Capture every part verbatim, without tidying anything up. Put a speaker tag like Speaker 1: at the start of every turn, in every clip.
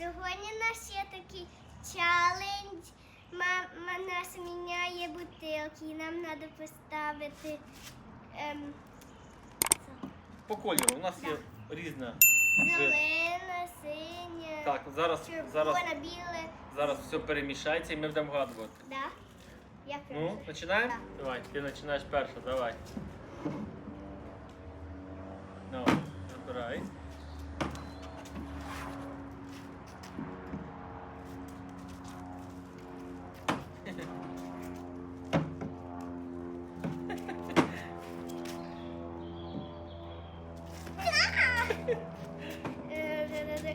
Speaker 1: Сьогодні у нас є такий челендж. Мама нас міняє бутилки, і нам треба поставити ем,
Speaker 2: По кольору. У нас є різна.
Speaker 1: зелена, синя,
Speaker 2: Так, зараз, зараз,
Speaker 1: червона, біле.
Speaker 2: зараз все перемішається і ми будемо вгадувати.
Speaker 1: Да? Я
Speaker 2: Ну,
Speaker 1: перша.
Speaker 2: починаємо?
Speaker 1: Так.
Speaker 2: Давай, ти починаєш перша, давай. Ну, вибирай.
Speaker 1: Е, де-де-де.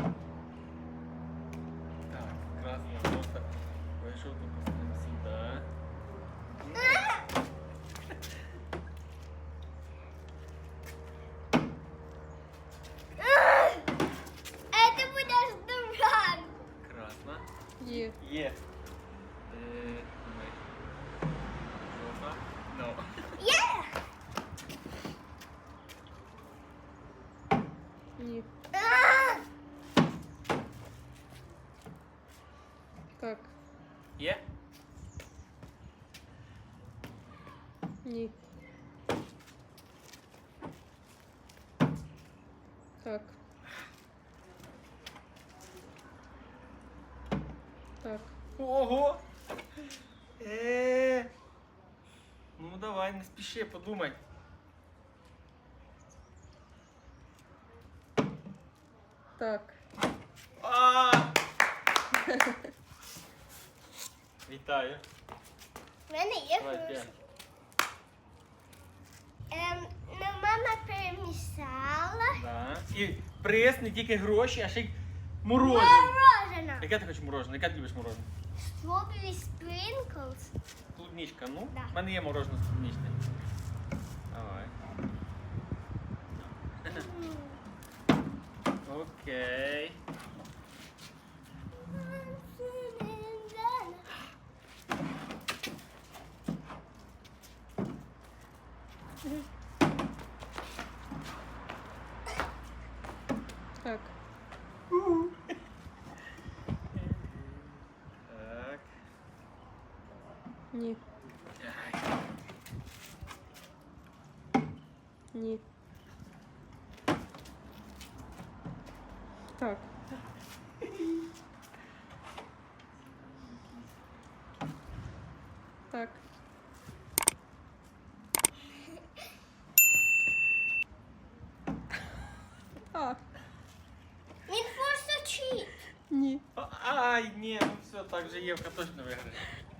Speaker 2: Так, красная просто вийшов тут поставимо сюди.
Speaker 1: Це буде дурак.
Speaker 2: Красна.
Speaker 3: Є.
Speaker 2: Є. Е, давай. Жовта. Ну.
Speaker 1: Є!
Speaker 3: Ні.
Speaker 1: А!
Speaker 3: Так.
Speaker 2: Є?
Speaker 3: Ні. Так. Так.
Speaker 2: Ого! Е. Ну давай, не спіши, подумай.
Speaker 3: Так.
Speaker 2: А! Вітаю.
Speaker 1: В мене є
Speaker 2: Давай,
Speaker 1: гроші.
Speaker 2: п'ять.
Speaker 1: Ем, ну, мама перемішала.
Speaker 2: Да. І приз не тільки гроші, а ще й мороженое.
Speaker 1: Мороженое.
Speaker 2: Яке ти хочеш мороженое? Яке ти любиш мороженое?
Speaker 1: Strawberry sprinkles.
Speaker 2: Клубничка, ну?
Speaker 1: Да.
Speaker 2: У мене є мороженое з клубничне. Давай. Окей.
Speaker 3: Так.
Speaker 2: Так.
Speaker 3: Ні. Ні. Так. Так. А.
Speaker 1: Він просто чіт.
Speaker 3: Ні.
Speaker 2: А- Ай, ні, ну все, так же Євка точно виграє.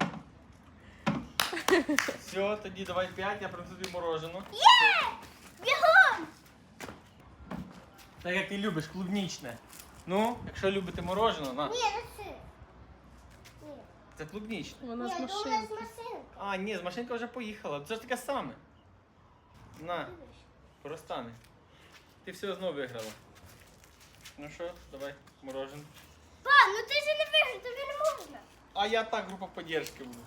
Speaker 2: Все, тоді давай п'ять, я принесу тобі мороженое.
Speaker 1: Є! Бігом!
Speaker 2: Так як ти любиш, клубничне. Ну, якщо любите мороженое, на.
Speaker 1: Ні, не це. Ні.
Speaker 2: Це клубничне.
Speaker 3: Вона
Speaker 1: Ні,
Speaker 3: з
Speaker 1: то у нас
Speaker 3: машинки.
Speaker 1: машинка.
Speaker 2: А, ні, з машинка вже поїхала. Це ж таке саме. На, поростане. Ти все знову виграла. Ну що, давай, мороженое.
Speaker 1: Па, ну ти ж не виграв, тобі не можна.
Speaker 2: А я так, група поддержки буду.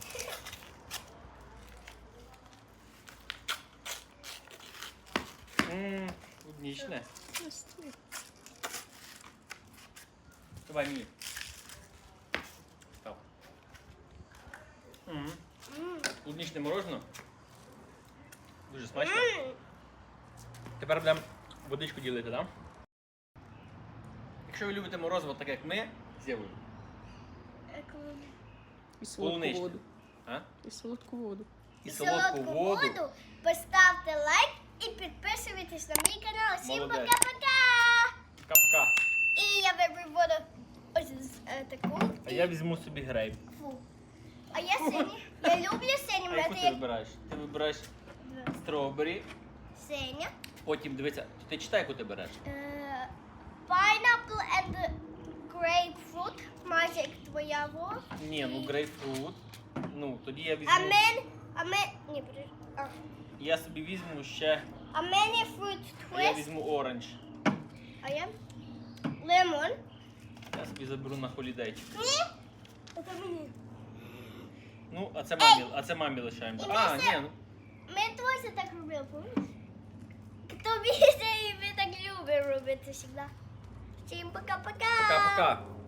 Speaker 2: Ммм, клубничне. Давай мені. Так. Ммм,
Speaker 1: М.
Speaker 2: клубничне мороженое. Дуже смачно.
Speaker 1: М.
Speaker 2: Тепер будемо водичку ділити, так? Да? Якщо ви любите морозиво так як ми, з Євою.
Speaker 3: І солодку
Speaker 2: Полуничне.
Speaker 3: воду.
Speaker 2: А?
Speaker 3: І солодку воду.
Speaker 2: І солодку воду.
Speaker 1: Поставте лайк і підписуйтесь на мій канал. Всім
Speaker 2: Молодець.
Speaker 1: пока-пока!
Speaker 2: Пока-пока.
Speaker 1: І я виберу воду ось з, е, таку.
Speaker 2: А я візьму собі грейп.
Speaker 1: Фу. А я синю. Я люблю синю,
Speaker 2: А яку
Speaker 1: це
Speaker 2: ти
Speaker 1: як
Speaker 2: вибираєш? Ти вибираєш стробері,
Speaker 1: синя.
Speaker 2: потім дивися, ти читай, яку ти береш.
Speaker 1: Е, Pineapple and grapefruit. Майже як твоя во.
Speaker 2: Ні, ну грейпфрут. Ну, тоді я
Speaker 1: А
Speaker 2: візьму.
Speaker 1: мен, а мен, ні, подожди. А,
Speaker 2: Я собі візьму ще.
Speaker 1: а мен є fruit
Speaker 2: А я
Speaker 1: twist.
Speaker 2: візьму оранж.
Speaker 1: А я лимон.
Speaker 2: Я собі заберу на холідейчик.
Speaker 1: Ні. Це мені.
Speaker 2: Ну, а це мамі, а це мамі лишаємо.
Speaker 1: І
Speaker 2: А,
Speaker 1: ми
Speaker 2: ні,
Speaker 1: це-
Speaker 2: ну.
Speaker 1: Ми теж так робили, помниш? Тобі це і ми так любимо робити завжди. Всім пока-пока.
Speaker 2: Пока-пока. Пока.